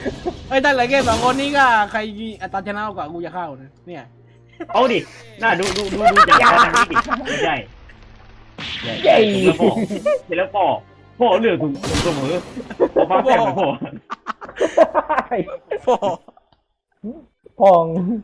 เอ้ยถ้าเหลือแค่2 คนนี้ก็ใครอัตราชนะกว่ากูจะเข้านะเนี่ยเอาดิน่าดูจากการทางนี้ดิไม่ใช่เย้เสร็จแล้วพ่อเลือกถูกเสมอพ่อฟ้าแฝงพ่อโอ้พอง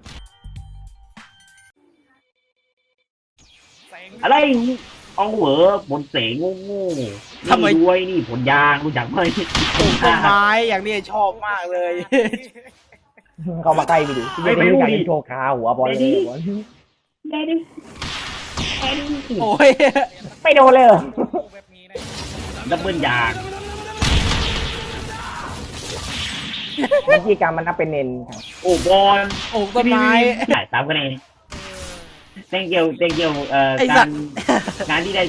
อะไรเอาเหวอบนเสงโง่นี่ด้วยนี่ผลยางรู้จักไหมปลูกต้นไม้อย่างนี้ชอบมากเลยเข้ามาใกล้ไปดิไม่รู้อยากโชว์ขาหัวบอลเลยบอลได้ดิโอ้ยไม่โดนเลยดับเบิลยางวิธีการมันนับเป็นเนนครับโอ้บอลปลูกต้นไม้ได้ตามกันเองthank you ไอ้สัตว์งานที่ได้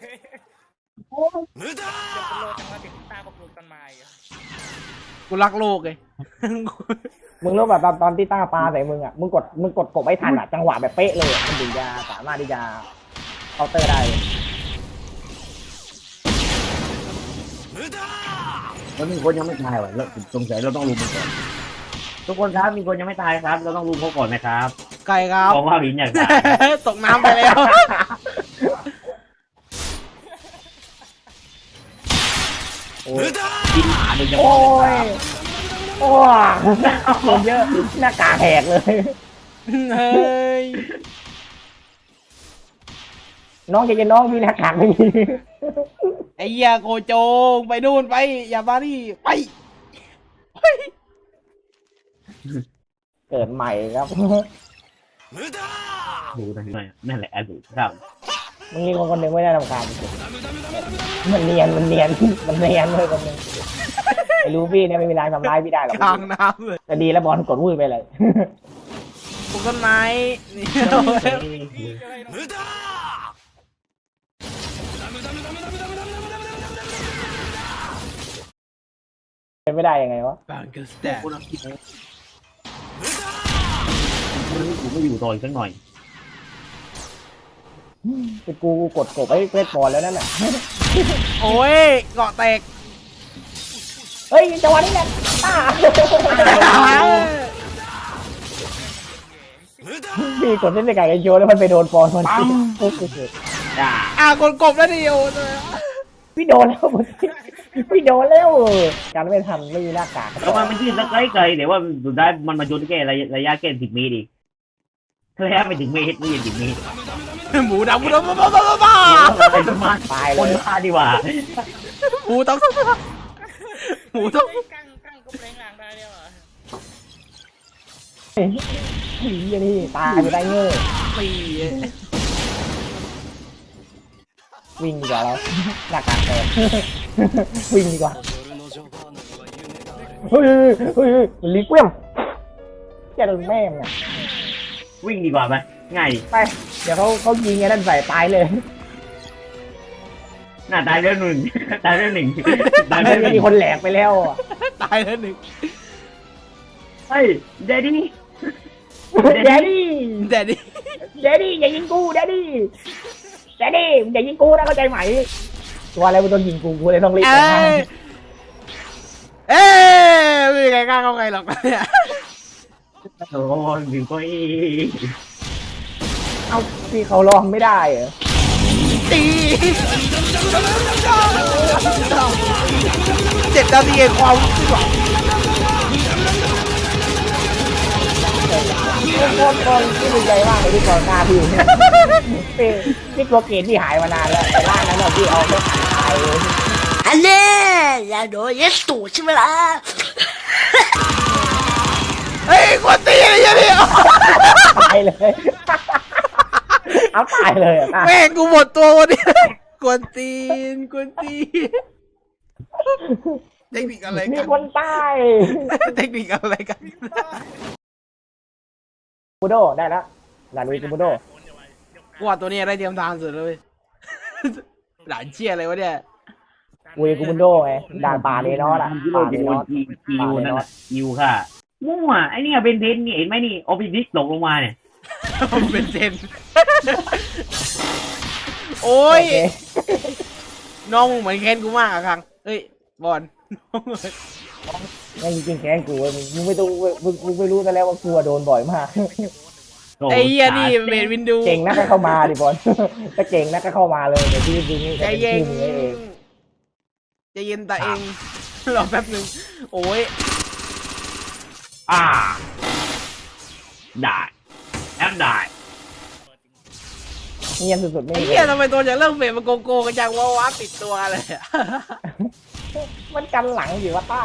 กูรักโลกเลยมึงรู้แบบตอนที่ต้าปลาใส่มึงอ่ะมึงกดกบไม่ทันอ่ะจังหวะแบบเป๊ะเลยมันถึงจะสามารถที่จะเคาน์เตอร์ได้แล้วมีคนยังไม่ตายว่ะแล้วสงสัยเราต้องรู้มันก่อนทุกคนครับมีคนยังไม่ตายครับ เราต้องรู้เขาก่อนนะครับไก่ครับเพราะว่าหินอยากตายตกน้ำไปแล้วกินหมาโดยเฉโอ้พาะเลยยโอ้ยคนเยอะหน้ากากแหกเลยเฮ้ยน้องจะน้องมีหน้ากากไม่มีไอ้เหี้ยโกโจงไปนู่นไปอย่ามานี่ไปเกิดใหม่ครับดูนั่นแหละอดีตครับมึงมีคนหนึ่งไม่ได้รำคาญมันเนียนเลยคนหนึ่งไอ้ลูฟี่เนี่ยไม่มีทางทำร้ายพี่ได้หรอกกลางน้ำเลยแต่ดีแล้วบอลกดมือไปเลยปลูกต้นไม้นี่เป็นไม่ได้ยังไงวะบางกระแตคุณคิดผมไม่อยู่ต่ออีกสักหน่อยคือกูกดกบไอ้เฟสบอลแล้วนั่นแหละโอ้ยเกาะแตกเฮ้ยจังหวะนี้แหละพี่กดเล่นในไก่กันโยนแล้วมันไปโดนบอลมันจ้าคนกบแล้วดิโอพี่โดนแล้วพี่โดนแล้วการไม่ทันไม่มีหน้ากากแล้วมันยืดสักไกลๆแต่ว่าสุดท้ายมันมาโยนแค่ระยะแค่10 เมตรอีกระยะไม่ถึงเมตรไม่ถึง10 เมตรหมูดำบ้าตายคเลนยบ้าดีกว่าหมูต้องหมูต้องกั้งก็แปลงหลังได้แล้วอ่ะนี่ตายไปได้เงี้ยปีวิ่งดีกว่าเราหน้ากากแตกวิ่งดีกว่าเฮ้ยลิเกวียมแกโดนแม่เนี่ยวิ่งดีกว่าไหมง่ายดิไปเดี๋ยวเขายิงไอ้นั่นใส่ตายเลยน่าตายเรื่องหนึ่งตายเรื่องหนึ่งตายมัเรื่องหนึ่งมีคนแหลกไปแล้วอ่ะตายแล้วหนึ่งเฮ้ยเดดดี้แดดดี้แต่ดิแดดดี้อย่ายิงกูแดดดี้อย่ายิงกูนะเข้าใจไหมตัวอะไรมันต้องยิงกูเลยต้องรีบเอ้ไม่มีใครกล้าเข้าใครหรอกเนี่ยโอ้ยถึงก็อีเอ้าพี่เขาลองไม่ได้เหรอตี7 นาทีเองความรู้สึกโคตรที่ดีใจมากเลยที่ก่อนหน้าพี่เนี่ยพี่โปรเกตที่หายมานานแล้วแต่ว่านั้นพี่เอาไม่หายเลยอันนี้อย่าโดนยัดตูดใช่ไหมล่ะเฮ้ยคนตีอะไรเนี่ยตายเลย เอาตายเลยอ่ะแม่งกูหมดตัววันนี้กวนตีนเทคนิคอะไรมีกันคนตายเทคนิคอะไรกันบูโดได้แล้วหลานลุยกูบูโดกูว่าตัวนี้ได้เตรียมทางสุดเลยหลานเชี่ยอะไรวะเนี่ยลุยกูบูโดไงด่านป่าเนนอสอ่ะกิโลป่าเนจิโลนอสกิวนั่นน่ะกิวค่ะมั่วไอ้นี่เป็นเพนนี่เห็นไหมนี่ออฟฟิศตกลงมาเนี่ยเป็นเซนโอ้ยน้องเหมือนเคนกูมากอะครั้งเฮ้ยบอลยังจริงๆแค้นกูเว้ยมึงไม่ต้องมึงไม่รู้ซะแล้วว่ากูอะโดนบ่อยมากไอ้เหี้ยนี่เมดวินดูเก่งนักก็เข้ามาดิบอล ถ้าเก่งนักก็เข้ามาเลยเดี๋ยวพี่ดึงนี่ใจจะเป็นเย็นทีมนี้เองใจเย็นแต่เอง รอแป๊บนึงโอ้ยได้แอปได้เงียบสุดๆไม่ไอ้มีเหี้ยทำไมตัวจากเรื่องเฟดมันโกโก้กันจังว้าติดตัวเลยอะมันกันหลังอยู่ว่าต้า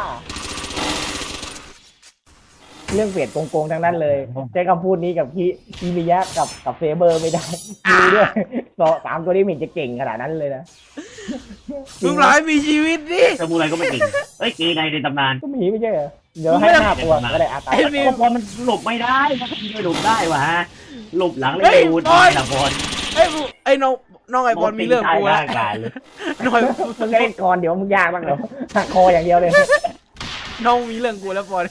เรื่องเฟดโกงๆทั้งนั้นเลยใช้คำพูดนี้กับพี่มิยะกับเฟเบอร์ไม่ได้ดูด้วยสามตัวนี้มันจะเก่งขนาดนั้นเลยนะมึงร้อยมีชีวิตดิสมุไรก็ไม่จริงเอ้ยเกย์ในตำนานก็มีไม่ใช่เหรอเดี๋ยวให้5ตัวก็ได้อาตาไอ้มีบอลมันหลบไม่ได้ถ้าทีไม่หลบได้วะฮะหลบหลังเลยเฮ้ยดูบได้อลละบอลไอ้น้องไอ้บอลมีเรื่องกูแล้แล้วการเลยน้อยมึงก็เล่นก่อนเดี๋ยวมึงยากบ้างเหรอหักคออย่างเดียวเลยน้องมีเรื่องกูแล้วบอล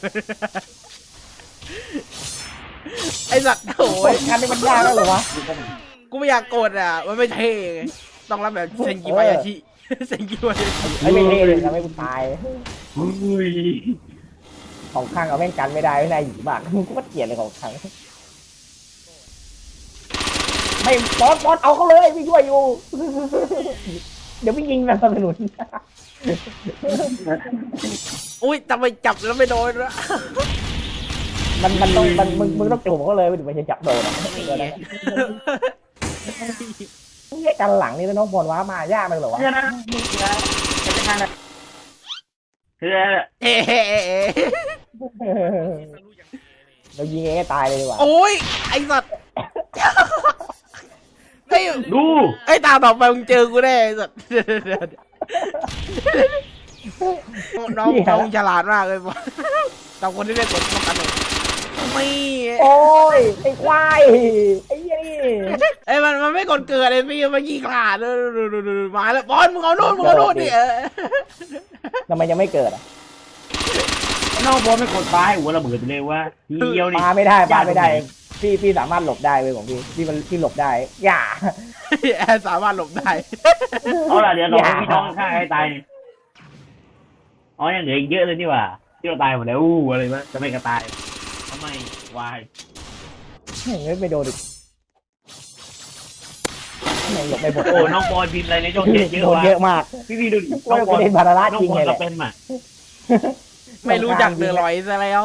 ไอ้สัตว์โอ้ยการนี้มันยากแล้วเหรอวะกูไม่อยากโกรธอ่ะมันไม่เท่ไงต้องรับแบบเซนกิบายาชิเซนกิบายาชิไม่เท่เลยทำให้กูตายอุ้ยของข้างเอาแม่งกันไม่ได้ไม่นายหยีบากกูก็เกลียดเลยของข้างไม่บอสเอาเขาเลยพี่ช่วยอยู่ เดี๋ยวพี่ยิงแบบสนับสนุนอุ้ยทำไมจับแล้วไม่โดนวะมันต้องมึงต้องจุ่มเขาเลยไม่ถึงมันจะจับโดนอะนี่กันหลังนี่น้องบอลว้ามายากเลยเหรอวะเพื่อนนะคือเอ๊ะเรายิงเองตายเลยดีกว่าโอ้ยไอ้สัตว์ไอ้ดูไอ้ตาต่อไปมึงเจอกูแน่ไอ้สัตว์น้องฉลาดมากเลยบอลตามคนที่ได้กดป้องกันเลยไม่โอ้ยไอ้ควายไอ้ยี่นี่ไอ้มันไม่กดเกิดเลยพี่มันยี่ขาดมาแล้วบอลมึงเอาโน่นดิทำไมยังไม่เกิดอ่ะนอกบอลไม่กดตายหัวระเบิดไปเลยว่าทีเดียวนี่ปาไม่ได้พี่สามารถหลบได้เว้ยของพี่หลบได้อย่าแอร์สามารถหลบได้เอาล่ะเดี๋ยวเราให้พี่น้องข้างให้ตายอ๋อยังเหลืออีกเยอะเลยนี่ว่าที่เราตายหมดแล้วอู้อะไรวะจะไม่กระตายทำไมวายไม่โดนอีกไม่หลบไม่หมดโอ้น้องบอลบินอะไรในช่องเจ็ดเยอะโดนว่ะเยอะมากพี่ดูดิว่าประเด็นบาราน้องจริงบอเลลยแหก็ละเป็นมาไม่รู้จักเดือดร้อยซะแล้ว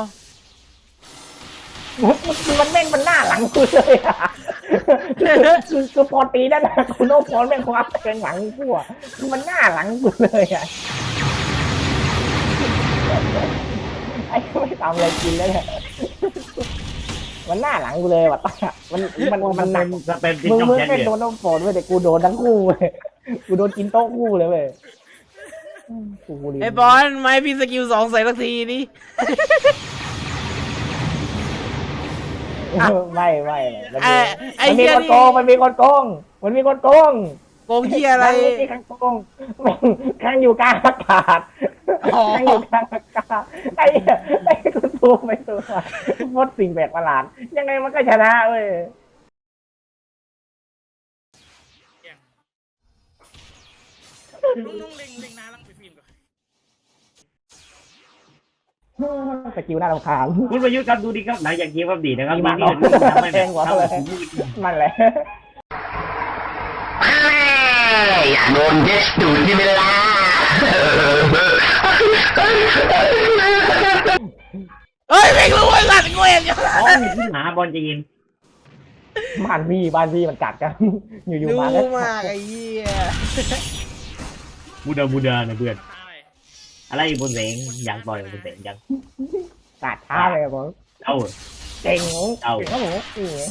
มันแม่งมันหน้าหลังกูเลยอ่ะคือพอตีนั่นนะคุณโน้พอแม่งคว้าแทงหลังกูอ่ะคือมันหน้าหลังกูเลยอ่ะไอ้ไม่ทำอะไรกินแล้วเนี่ยมันหน้าหลังกูเลยว่ะตามันหนักจะเป็นที่มึงช่องไม่แชทโดนน้ำฝนเว้ยแต่กูโดนทั้งคู่เว้ยกูโดนกินโต๊ะคู่เลยเว้ยไอ้บอลไม่พี่สกิล2ใส่สักทีนี่ไม่ไอ้มันมีเหี้ยคนนี่โกงมันมีคนโกงมันมีคนโกงโกงเหี้ยอะไรนี่ข้างโกงข้างอยู่กลางอากาศอ๋อข้างอยู่กลางอากาศไอ้คุณตูไม่ตัวมดสิ่งแปลกประหลาดยังไงมันก็ชนะเว้ยลุงเล็งนาลังไปฟิล์มก่อนสกิลน่ารำคาญคุณประยุทธ์ครับดูดีครับหลังจากเกมอัปเดตนะครับมีมีมานี่เอาทำไมแทงหัวเขาเลย มันแหละอยากโดนเด็ดดูดใช่ไหมล่ะเฮ้ยไม่รู้ไอ้สัตว์กูเองอ๋อมีที่หาบอลจะยิงบ้านพี่มันกัดกันอยู่ดูๆมาแล้วมากไอ้เหี้ยบูดานะเพื่อนตายอะไรบนเสงอยากต่อยบนเสงยังกัดช้าเลยครับผมเอาเก่งครับผม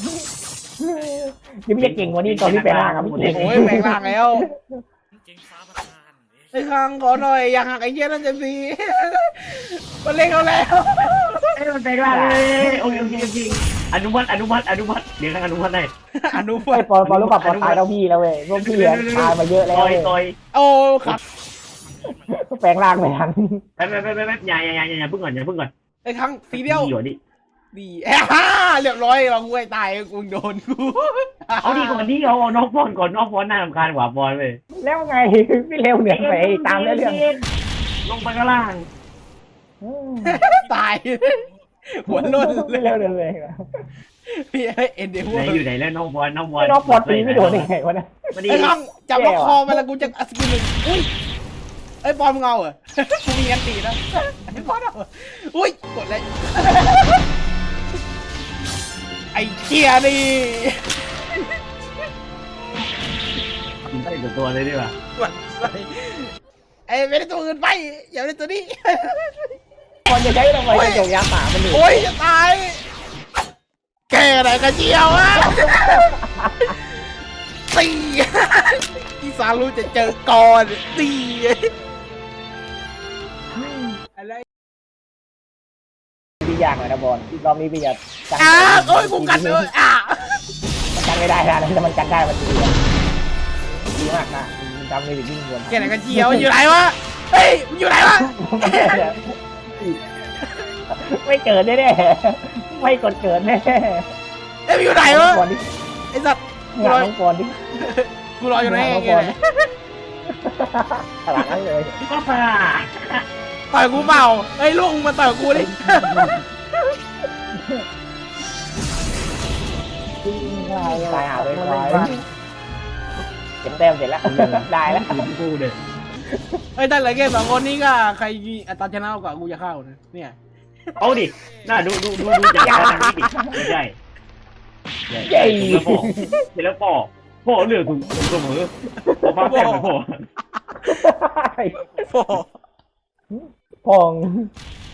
นี่ไม่ใช่เก่งกว่านี้ตอนที่ไปล่างครับพี่เก่งโอ้ยแปลงร่างแล้วเก่งฟ้าประทานไอ้ข้างขอหน่อยอยากหักไอ้เหี้ยนั่นจะดีมันเล่นเขาแล้วเอ้ยมันแปลงร่างเลยโอเคอนุมัติเดี๋ยวข้างอนุมัติได้อนุไอ้ปอนรู้ป่ะปอนตายแล้วพี่แล้วเว้ยพวกพี่ตายมาเยอะแล้วต่อยโอ้ครับแปลงร่างไม่ทันแป๊บอย่าเพิ่งก่อนไอ้ข้างทีเดียวอยู่ดิดีเรียบร้อยเรากูไอ้ตายกูโดนกูเอาดีก่อนที่เอาน้องบอลก่อนน้องบอลน่ารำคาญกว่าบอลเลยแล้วไงพี่เร็วเหนือไปตามเรื่องลงไปข้างล่างตาย หัวล้นไม่เลยเร็วเลยนะพี่เอ็นเดวไหนอยู่ไหนแล้วน้องบอลน้องบอลน้องบอลตีไม่โดนได้ไงวะเนี่ยมาดิไอ้น้องจับล็อกคอมาแล้วกูจะสกิลหนึ่งอุ้ยไอ้บอลมึงเอาเหรอ กูมีอันตีนะไอ้บอลเอาเหรออุ้ยกดเลยไอ้เกียร์นี่ได้กับตัวเลยดีกว่าหวั่นไส้ไอ้ไม่ได้ตัวอื่นไปอย่าได้ตัวนี้บอลจะใช้ทำไมกระจกยาป่ามันดูโอ้ยจะตายแกอะไรกันเจียวอะตี อีสานรู้จะเจอก่อนตีอะไรพี่ยากหน่อยนะบอลรอบนี้พี่จะกันโอ้ยกูกันเลยมันกันไม่ได้นะแต่มันกันได้มันดีอะดีมากนะมันจำไม่ผิดยิ่งควรแกไหนกันเจียวอยู่ไหนวะเฮ้ยอยู่ไหนวะไม่เกิดแน่ๆไม่กดเกิดแน่เอ้ยอยู่ไหนวะบอลดิไอ้สัตว์หลังน้องบอลดิกูรออยู่ไหนน้องแกบอลหลังนั้นเลยก็ผ่าต่อยกูเปล่าเฮ้ยลูกมึงมาต่อยกูดิตายหาเลยควายเก็บแต้มเสร็จแล้วได้แล้วกูเด็ดเฮ้ยแต่เหลือแค่สองคนนี้ก็ใครอัตราชนะกว่ากูจะเข้านะเนี่ยเอาดิน่าดูจากการนี้ดิใหญ่ใหญ่เสร็จแล้วพ่อเหลือถึงเสมอพอฟ้าแตกเหมือนพ่อโอ้พอง